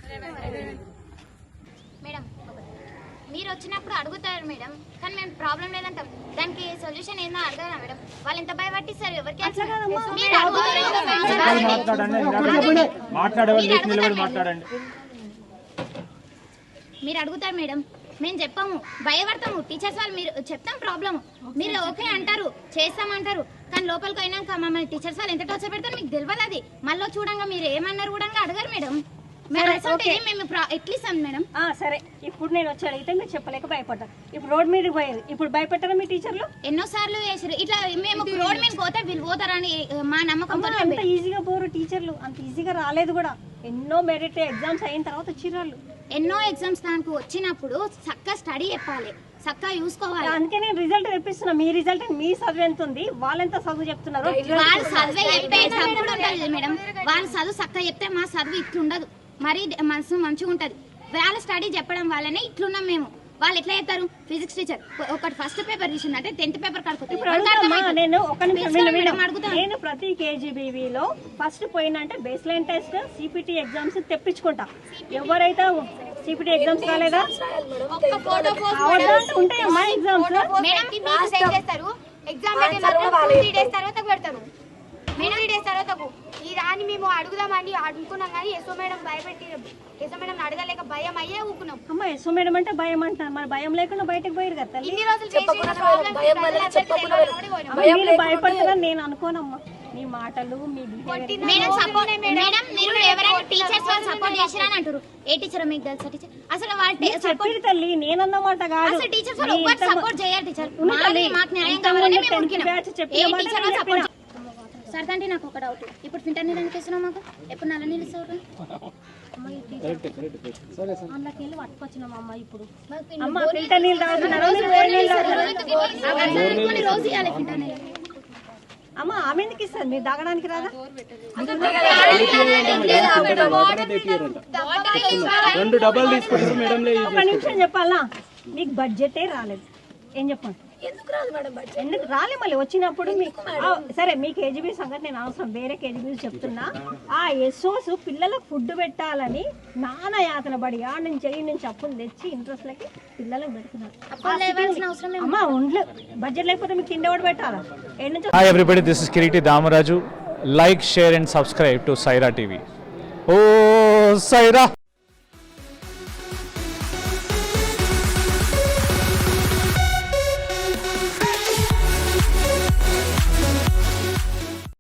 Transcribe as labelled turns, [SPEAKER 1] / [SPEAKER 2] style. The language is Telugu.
[SPEAKER 1] మేడం మీరు వచ్చినప్పుడు అడుగుతారు మేడం, కానీ మేము ప్రాబ్లం లేదంటాం. దానికి సొల్యూషన్ ఏందో అడగాలా మేడం? వాళ్ళు ఎంత భయపట్టిస్తారు ఎవరికి? మీరు అడుగుతారు మేడం, మేము చెప్పాము, భయపడతాము. టీచర్స్ వాళ్ళు మీరు చెప్తాం ప్రాబ్లమ్, మీరు ఓకే అంటారు, చేస్తామంటారు, కానీ లోపలికి అయినాక మమ్మల్ని టీచర్స్ వాళ్ళు ఎంత టార్చర్ పెడతారు మీకు తెలియదు. అది మళ్ళీ చూడంగా మీరు ఏమన్నారు కూడా అడగారు మేడం. మేము ఎట్లిస్తాం మేడం?
[SPEAKER 2] సరే, ఇప్పుడు నేను వచ్చి అడిగితే మీరు చెప్పలేక భయపడ్డారు. ఇప్పుడు రోడ్ మీద పోయేది, ఇప్పుడు భయపెట్టారా మీ టీచర్లు?
[SPEAKER 1] ఎన్నోసార్లు వేసారు ఇట్లా. మేము రోడ్ మీద పోతే వీళ్ళు పోతారని మా నమ్మకం.
[SPEAKER 2] అంత ఈజీగా పోరు టీచర్లు, అంత ఈజీగా రాలేదు కూడా. ఎన్నో మెరిట్ ఎగ్జామ్స్ అయిన తర్వాత వచ్చిర్రు.
[SPEAKER 1] ఎన్నో ఎగ్జామ్స్ దానికి వచ్చినప్పుడు చక్కగా స్టడీ చెప్పాలి, చక్కగా చూసుకోవాలి.
[SPEAKER 2] అందుకే నేను రిజల్ట్ తెప్పిస్తున్నా. మీ రిజల్ట్ మీ చదువు ఎంత ఉంది, వాళ్ళెంత చదువు చెప్తున్నారు?
[SPEAKER 1] వాళ్ళు చదివే చెప్పే చదువు ఉంటుంది మేడం. వాళ్ళు చదువు చక్కగా చెప్తే మా చదువు ఇట్లుండదు, మరి మనసు మంచిగా ఉంటది. వాళ్ళ స్టడీ చెప్పడం వల్లనే ఇట్లున్నాం మేము. వాళ్ళు ఎట్లా చెప్తారు? ఫిజిక్స్ టీచర్ ఒకటి ఫస్ట్ పేపర్ తీసిందంటే 10th పేపర్
[SPEAKER 2] నేను ప్రతి కేజీబీవీలో ఫస్ట్ పోయినంటే base line test, CPT exams తెప్పించుకుంటా. ఎవరైతే సిపిటి ఎగ్జామ్స్ రాలేదా ఉంటాయమ్మా ఎగ్జామ్స్
[SPEAKER 3] అని మేము అడుగుదామని అనుకున్నాం, కానీ ఎస్ఓ మేడం భయపెట్టి ఎస్ఓ మేడం అడగలేక భయం అయ్యే ఊకున్నాం.
[SPEAKER 2] అమ్మ ఎస్ఓ మేడం అంటే భయం అంటారు, మరి భయం లేకుండా బయటకు పోయారు కదా. మీరు భయపడతారని నేను అనుకోనమ్మా. మీ మాటలు మీ చెప్పారు తల్లి, నేనన్నమాట కాదు.
[SPEAKER 1] సరే అంటే నాకు ఒక డౌట్, ఇప్పుడు ఫిల్టర్ నీళ్ళు ఎందుకు ఇస్తున్నావు మాకు? ఎప్పుడు నల్ల నీళ్ళు ఇస్తావు?
[SPEAKER 2] అందులోకి వెళ్ళి పట్టుకొచ్చినామమ్మ. ఇప్పుడు
[SPEAKER 1] రోజు ఇవ్వాలి ఫిల్టర్ నీళ్ళు.
[SPEAKER 2] అమ్మ ఆమె ఎందుకు ఇస్తారు? మీరు తాగడానికి రాదా? ఒక నిమిషం చెప్పాలా, మీకు బడ్జెటే రాలేదు. ఏం చెప్పండి, ఎందుకు రాలే? మళ్ళీ వచ్చినప్పుడు సరే మీ కేజీబీ సంగతి నేను అవసరం, వేరే కేజీబీ చెప్తున్నా. ఆ ఎస్ఓస్ పిల్లలకు ఫుడ్ పెట్టాలని నానా యాతన పడి ఆ నుంచి ఈ నుంచి అప్పులు తెచ్చి ఇంట్రెస్ట్ లకి పిల్లలకు పెడుతున్నారు. అమ్మా ఒంట్లో బడ్జెట్ లేకపోతే మీకు తిండి ఎవరు పెట్టాలా?
[SPEAKER 4] Hi everybody, this is Kiriti Damaraju. Like, share and subscribe to Saira TV. ఓ సైరా.